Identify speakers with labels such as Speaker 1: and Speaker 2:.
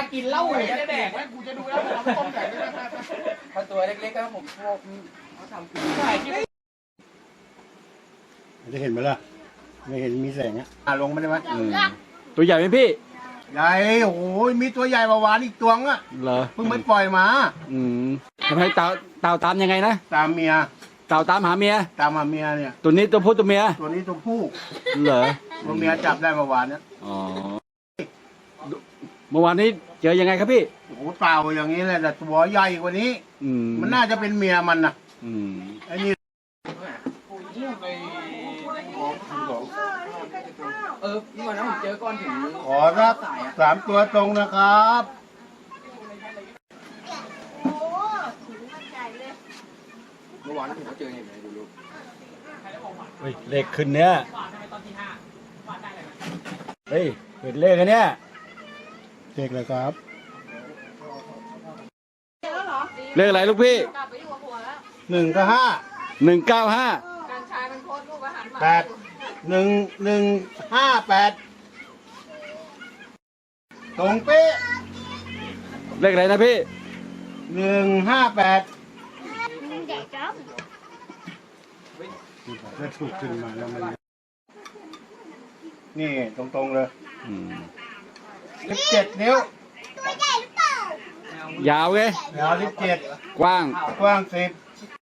Speaker 1: กินเหล้าเลยจะแดก
Speaker 2: กูจะดูแล้วผมต้มแดกได้ไหม
Speaker 1: ถ้าตัวเล็กๆก็ผมพวกเขาทำกินได้ที่
Speaker 3: จะเห็นไหมล่ะไม่เห็นมีแสงลงมาได้ไหม
Speaker 4: ตัวใหญ่ไหมพี่
Speaker 3: ใหญ่โอ้ยมีตัวใหญ่กว่าหวานอีกตัวอ่ะ
Speaker 4: เหรอ
Speaker 3: เพิ่งไปปล่อยมา
Speaker 4: ทำไมเต่าตามยังไงนะ
Speaker 3: ตามเมีย
Speaker 4: เต่าตามหาเมีย
Speaker 3: ตามมาเมียเนี่ย
Speaker 4: ตัวนี้ตัวผู้ตัวเมีย
Speaker 3: ตัวนี้ตัวผู้
Speaker 4: เหรอ
Speaker 3: ตัวเมียจับได้เมื่อวานเนี่ย
Speaker 4: อ๋อเมื่อวานนี้เจอยังไงครับพี่
Speaker 3: โอ้โหเต่าอย่างนี้แหละแต่ตัวใหญ่กว่านี้ มันน่าจะเป็นเมียมันนะไอ้นี่
Speaker 1: พี่วันนั้นผมเจอก้อนหิน
Speaker 3: ขอสัก3 ตัวตรงนะครับ
Speaker 1: เมื่อวานผมก็เจอเห็นไหมดูลูก
Speaker 4: เลขขึ้นเนี้ยเฮ้ยเห็นเลขกันเนี้ย
Speaker 3: เด็กเลยครับ
Speaker 4: เลขอะไรลูกพี่
Speaker 5: กลับไปอยู่กับผัวแล้ว
Speaker 3: 1 กับ
Speaker 4: 195
Speaker 5: การชายมันโพสต์รูปอาหารหมา
Speaker 3: 5 8 1 1 5 8ตรงเป๊ะ
Speaker 4: เลขอะไรนะพี่
Speaker 3: 158จะถูกขึ้นมาแล้วมันนี่ตรงๆเลย17 นิ้วย
Speaker 4: าวไง
Speaker 3: ยาว17
Speaker 4: กว้าง
Speaker 3: กว้าง10